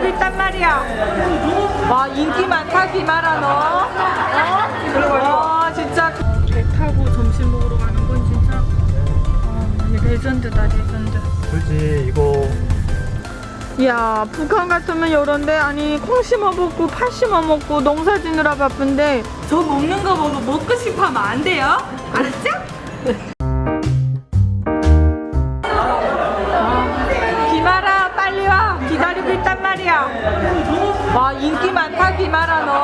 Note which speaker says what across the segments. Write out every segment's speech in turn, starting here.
Speaker 1: 있단 말이야. 와, 인기 많다 김아라 너. 와, 진짜 배 타고 점심 먹으러 가는 건 진짜 레전드다, 레전드.
Speaker 2: 그렇지 이거.
Speaker 1: 야, 북한 같으면 요런데 아니 콩 심어 먹고 팥 심어 먹고 농사 지느라 바쁜데 저 먹는 거 보고 먹고 싶어 하면 안 돼요? 알았죠? 김아라 빨리 와, 기다리고 있단 말이야. 와, 인기 많다 김아라 너.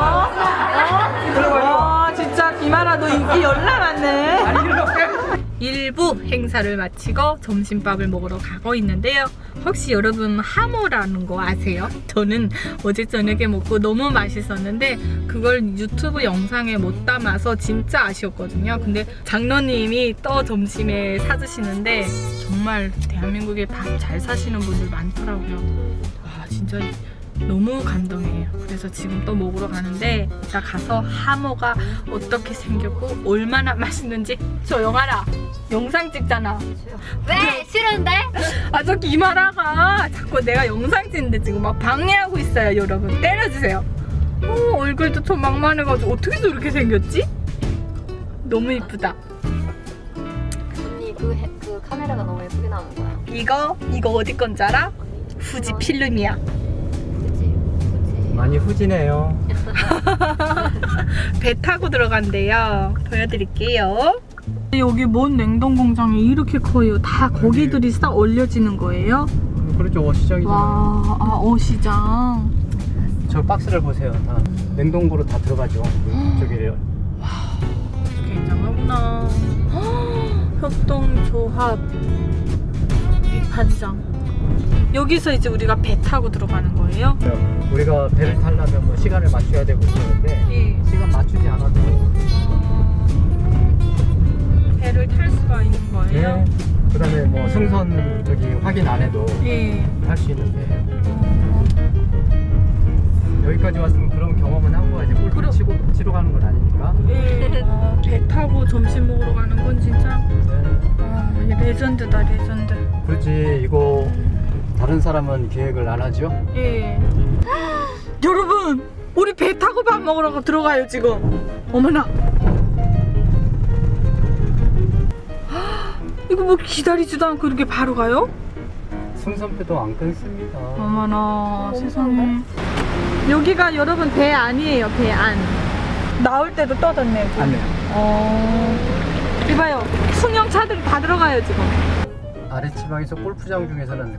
Speaker 1: 와, 진짜 김아라 너 인기 열나 많네. 일부 행사를 마치고 점심밥을 먹으러 가고 있는데요. 혹시 여러분 하모라는 거 아세요? 저는 어제 저녁에 먹고 너무 맛있었는데 그걸 유튜브 영상에 못 담아서 진짜 아쉬웠거든요. 근데 장로님이 또 점심에 사주시는데 정말 대한민국에 밥 잘 사시는 분들 많더라고요. 와, 진짜 너무 감동해요. 그래서 지금 또 먹으러 가는데 이따 가서 하모가 어떻게 생겼고 얼마나 맛있는지 조용하라. 영상 찍잖아.
Speaker 3: 왜? 싫은데?
Speaker 1: 아, 저 김아라가 자꾸 내가 영상 찍는데 지금 막 방해하고 있어요. 여러분 때려주세요. 얼굴도 좀 막만해가지고 어떻게 저렇게 생겼지? 너무 이쁘다.
Speaker 3: 언니 그 카메라가 너무 예쁘게 나오는 거야.
Speaker 1: 이거 어디 건지 알아? 후지 필름이야.
Speaker 3: 그치?
Speaker 2: 많이 후지네요.
Speaker 1: 배 타고 들어간대요. 보여드릴게요. 여기 먼 냉동 공장이 이렇게 커요. 다 고기들이 싹 얼려지는 거예요?
Speaker 2: 그렇죠. 시장이잖아.
Speaker 1: 와, 아, 시장.
Speaker 2: 저 박스를 보세요. 다 냉동고로 다 들어가죠. 저기래요.
Speaker 1: 굉장하구나. 협동조합 위판장. 여기서 이제 우리가 배 타고 들어가는 거예요?
Speaker 2: 우리가 배를 타려면 뭐 시간을 맞춰야 되고 그러는데
Speaker 1: 예.
Speaker 2: 시간 맞추지 않아도
Speaker 1: 배를 탈 수가 있는 거예요?
Speaker 2: 네. 그다음에 뭐 승선 저기 확인 안 해도
Speaker 1: 예.
Speaker 2: 할 수 있는데 여기까지 왔으면 그런 경험은 하고 가야지. 골프 치러 가는 건 아니니까.
Speaker 1: 예. 배 타고 점심 먹으러 가는 건 진짜
Speaker 2: 네.
Speaker 1: 레전드다, 레전드.
Speaker 2: 그렇지. 이거 다른 사람은 계획을 안 하죠?
Speaker 1: 예. 여러분, 우리 배 타고 밥 먹으러 들어가요 지금. 어머나. 이거 뭐 기다리지도 않고 이렇게 바로 가요?
Speaker 2: 승선표도 안 끊습니다.
Speaker 1: 어머나, 세상에. 여기가 여러분 배 안이에요, 배 안. 나올 때도 떠졌네.
Speaker 2: 안 해요.
Speaker 1: 이봐요, 승용차들이 다 들어가요 지금.
Speaker 2: 아래지방에서 골프장 중에서는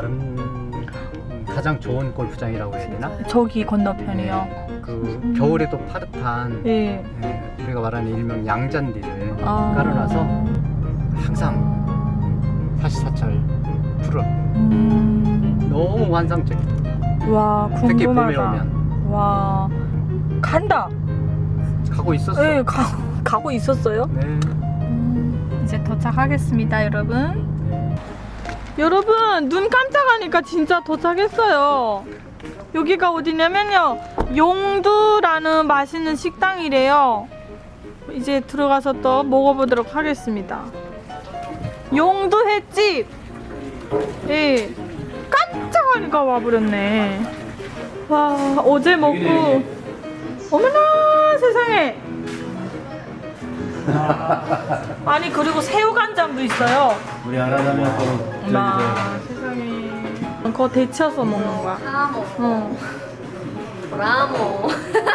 Speaker 2: 가장 좋은 골프장이라고 해야 되나?
Speaker 1: 저기 건너편이요.
Speaker 2: 네, 그 겨울에도 파릇한
Speaker 1: 예.
Speaker 2: 네, 우리가 말하는 일명 양잔디를
Speaker 1: 아.
Speaker 2: 깔아놔서 항상 44철 푸른 너무 환상적이야.
Speaker 1: 와, 궁금하다.
Speaker 2: 특히 봄에 오면
Speaker 1: 와, 간다.
Speaker 2: 가고 있었어.
Speaker 1: 네, 가고 있었어요.
Speaker 2: 네.
Speaker 1: 이제 도착하겠습니다, 여러분. 여러분, 눈 깜짝하니까 진짜 도착했어요. 여기가 어디냐면요, 용두라는 맛있는 식당이래요. 이제 들어가서 또 먹어보도록 하겠습니다. 용두 횟집. 예, 깜짝하니까 와버렸네. 와, 어제 먹고 어머나 세상에. 아니, 그리고 새우간장도 있어요.
Speaker 2: 우리 알아가면 또
Speaker 1: 어머 세상에. 그거 데쳐서 먹는 거야.
Speaker 3: 라모. 라모.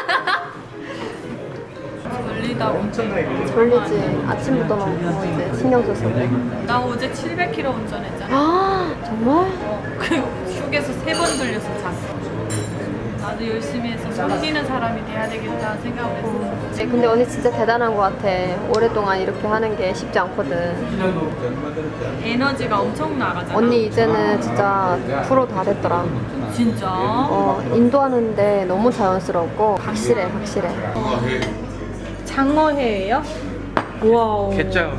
Speaker 1: 졸리다.
Speaker 3: 졸리지. 아침부터 먹고 이제 신경 써서.
Speaker 1: 나 어제 700km 운전했잖아.
Speaker 3: 아, 정말?
Speaker 1: 그리고 휴게소 3번 돌려서 잤어. 나도 열심히 해서 숨기는 사람이 돼야 되겠다 생각을 했어.
Speaker 3: 네, 근데 언니 진짜 대단한 것 같아. 오랫동안 이렇게 하는 게 쉽지 않거든.
Speaker 1: 에너지가 엄청 나가잖아.
Speaker 3: 언니 이제는 진짜 프로 다 됐더라.
Speaker 1: 진짜?
Speaker 3: 인도하는데 너무 자연스럽고 확실해. 장어회예요?
Speaker 1: 와우.
Speaker 2: 개짱.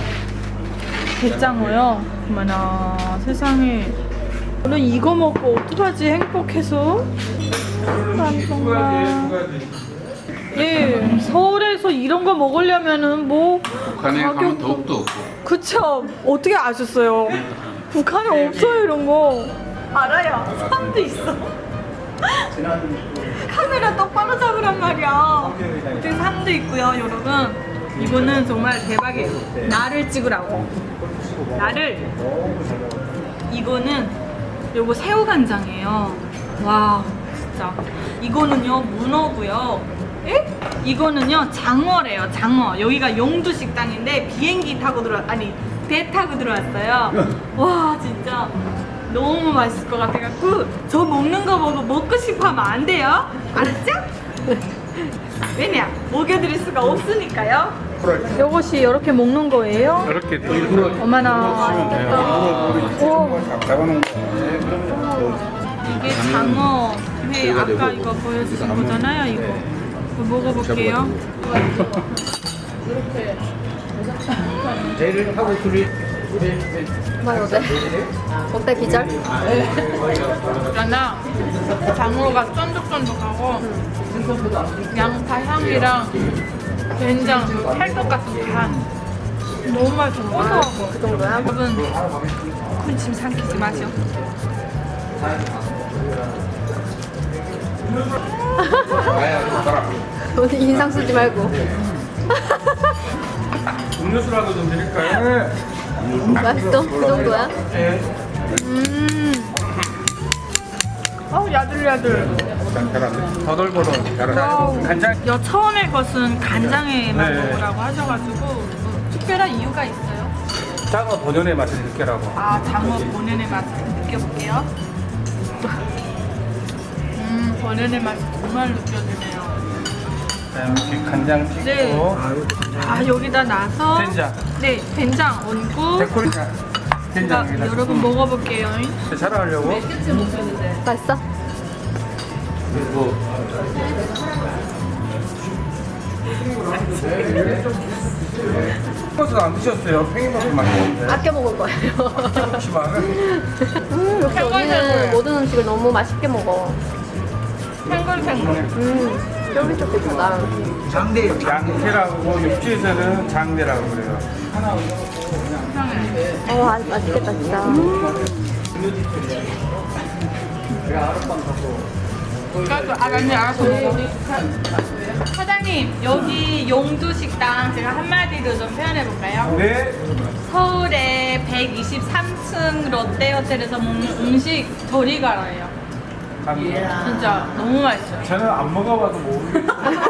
Speaker 1: 게장어요? 어머나 세상에. 오늘 이거 먹고 어떡하지? 행복해서. 난 정말. 예, 서울에서 이런 거 먹으려면은 뭐
Speaker 4: 북한에 가면 더욱더 없고.
Speaker 1: 그쵸? 어떻게 아셨어요? 북한에 없어요 이런 거. 알아요. 산도 있어. 카메라 똑바로 잡으란 말이야. 이렇게 산도 있고요, 여러분. 이거는 정말 대박이에요. 나를 찍으라고. 나를. 이거는 요거 새우간장이에요. 와, 진짜. 이거는요, 문어고요. 에? 이거는요, 장어래요, 장어. 여기가 용두 식당인데 비행기 타고 배 타고 들어왔어요. 와, 진짜 너무 맛있을 것 같아갖고 저 먹는 거 보고 먹고 싶어 하면 안 돼요. 알았죠? 왜냐? 먹여드릴 수가 없으니까요. 요것이 이렇게 먹는 거예요?
Speaker 2: 이렇게
Speaker 1: 어머나. 오,
Speaker 2: 잡아놓은 거.
Speaker 1: 이게 장어 회 아까 이거 보여주신 거잖아요. 이거 먹어볼게요.
Speaker 2: 얘를 하고 둘이
Speaker 3: 정말 어때? 어때 기절?
Speaker 1: 있잖아. 장어가 쫀득쫀득하고 양파 향이랑 된장 찰떡 같은 간 너무 맛있어. 고소하고.
Speaker 3: 그 정도야?
Speaker 1: 여러분 군침 삼키지 마셔.
Speaker 3: 오늘 인상 쓰지 말고.
Speaker 2: 음료수라도 좀 드릴까요?
Speaker 3: 맛있어? 그 정도야?
Speaker 1: 야들야들.
Speaker 2: 잘하네. 더덜더덜 잘하네. 간장.
Speaker 1: 여 처음에 것은 간장에만
Speaker 2: 네.
Speaker 1: 먹으라고 하셔가지고 뭐 특별한 이유가 있어요?
Speaker 2: 장어 본연의 맛을 느끼라고.
Speaker 1: 아, 장어 본연의 맛을 느껴볼게요. 본연의 맛이 정말 느껴지네요.
Speaker 2: 자, 이렇게 간장 찍고.
Speaker 1: 네. 아, 여기다 놔서
Speaker 2: 된장.
Speaker 1: 네, 된장 얹고
Speaker 2: 데코리.
Speaker 1: 제가
Speaker 2: 된장.
Speaker 1: 여러분 먹어볼게요.
Speaker 2: 잘하려고.
Speaker 3: 맛있어?
Speaker 2: 그리고 버스 안 드셨어요? 팽이버섯 맛있는데.
Speaker 3: 아껴 먹을 거예요.
Speaker 2: 그렇지만은
Speaker 3: 역시 언니는 모든 음식을 너무 맛있게 먹어.
Speaker 1: 탱글탱글.
Speaker 3: 쫄깃쫄깃하다.
Speaker 2: 양태라고 육지에서는 장대라고 그래요.
Speaker 3: 맛있겠다 진짜.
Speaker 1: 알아서 먹어. 사장님, 여기 용두식당 제가 한마디로 좀 표현해볼까요?
Speaker 2: 네.
Speaker 1: 서울의 123층 롯데호텔에서 먹는 음식 저리 가라예요. 진짜 너무 맛있어요.
Speaker 2: 저는 안 먹어봐서 모르겠어요.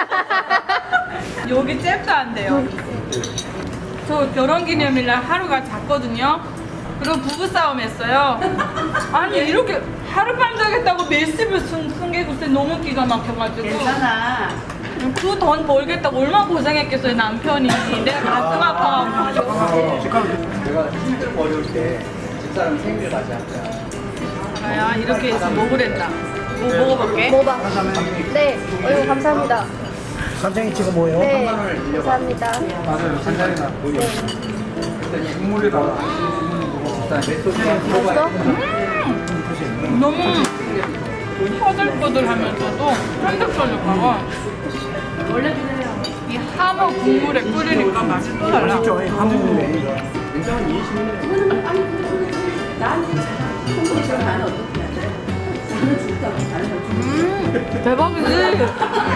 Speaker 1: 여기 잽도 안 돼요. 저 결혼기념일날 하루가 잤거든요. 그리고 부부싸움 했어요. 아니 이렇게 하룻밤 자겠다고 몇십을 숨기고 너무 기가 막혀가지고. 괜찮아. 그 돈 벌겠다고 얼마나 고생했겠어요 남편이. 내가 가슴 아파가지고.
Speaker 2: 내가 힘들고 어려울 때 집사람 생일 맞이 할 거야.
Speaker 1: 야, 이렇게 해서 먹으랬다. 먹어볼게.
Speaker 3: 먹어봐. 네. 어이구 감사합니다.
Speaker 2: 간장이 지금 뭐예요?
Speaker 3: 네. 감사합니다.
Speaker 2: 맞아요. 간장이나 국물에다가
Speaker 3: 맛있어?
Speaker 1: 너무 허들허들하면서도 쫀득쫀득하고 이 하모 국물에 끓이니까 맛이 또 달라. 대박이지?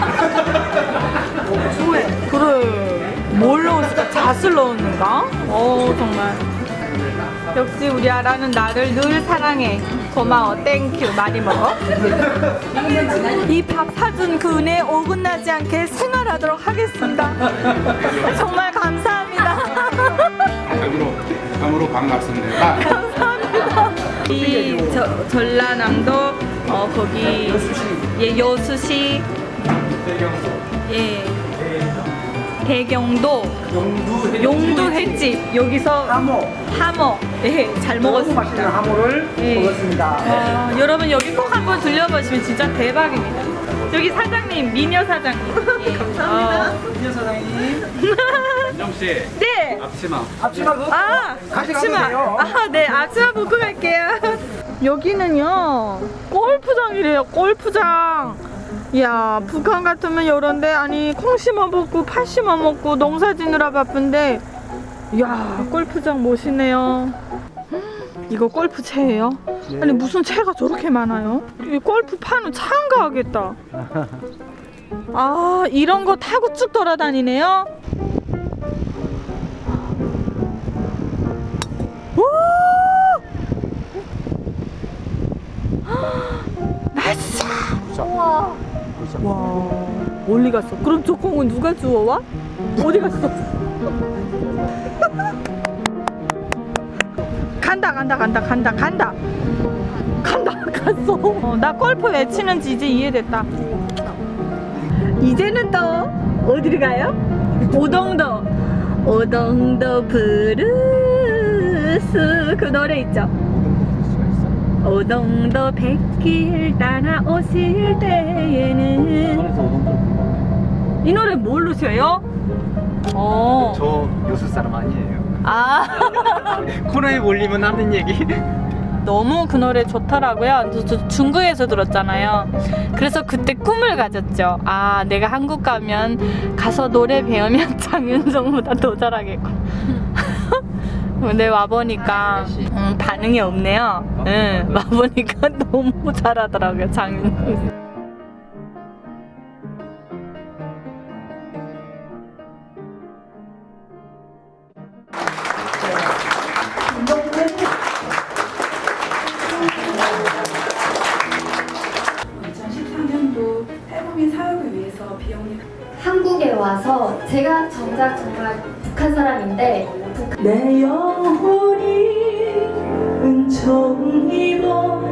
Speaker 1: 그래. 뭘 넣었을까? 잣을 넣었는가? 정말. 역시 우리 아라는 나를 늘 사랑해. 고마워. 땡큐. 많이 먹어. 이 밥 사준 그 은혜에 어긋나지 않게 생활하도록 하겠습니다. 정말 감사합니다.
Speaker 4: 감으로 반갑습니다.
Speaker 1: 감사합니다. 이 전라남도 거기 여수시 대경도 용두 횟집 여기서 하모 잘 먹었습니다.
Speaker 2: 하모를 먹었습니다.
Speaker 1: 여러분 여기 꼭 한번 들려보시면 진짜 대박입니다. 여기 사장님 미녀 사장님. 감사합니다.
Speaker 2: 미녀 사장님.
Speaker 4: 민정 씨,
Speaker 1: 네.
Speaker 4: 앞치마.
Speaker 2: 앞치마 그거
Speaker 1: 앞치마. 네, 앞치마 먹고 갈게요. 여기는요, 골프장이래요, 골프장. 이야, 북한 같으면 이런데, 아니, 콩 심어 먹고, 팥 심어 먹고, 농사 지느라 바쁜데, 이야, 골프장 멋있네요. 이거 골프채예요. 아니 무슨 채가 저렇게 많아요? 이 골프판은 참가하겠다. 아 이런 거 타고 쭉 돌아다니네요. 오! 나이스!
Speaker 3: 우와.
Speaker 1: 와 멀리 갔어. 그럼 저 공은 누가 주워와? 어디 갔어? 간다 갔어. 나 골프 왜 치는지 이제 이해됐다. 이제는 또 어디를 가요? 오동도 브루스 그 노래 있죠? 오동도 백길 따라오실 때에는
Speaker 2: 손에서 오동도를 불러요.
Speaker 1: 이 노래 모르세요?
Speaker 2: 저 요술 사람 아니에요.
Speaker 1: 아
Speaker 2: 코너에 몰리면 하는 얘기.
Speaker 1: 너무 그 노래 좋더라고요. 저 중국에서 들었잖아요. 그래서 그때 꿈을 가졌죠. 아 내가 한국 가면 가서 노래 배우면 장윤정보다 더 잘하겠고. 근데 와보니까 반응이 없네요. 응, 와보니까 너무 잘하더라고요 장윤정.
Speaker 3: 한국에 와서 제가 정말 북한 사람인데
Speaker 1: 내 영혼이 은총 입어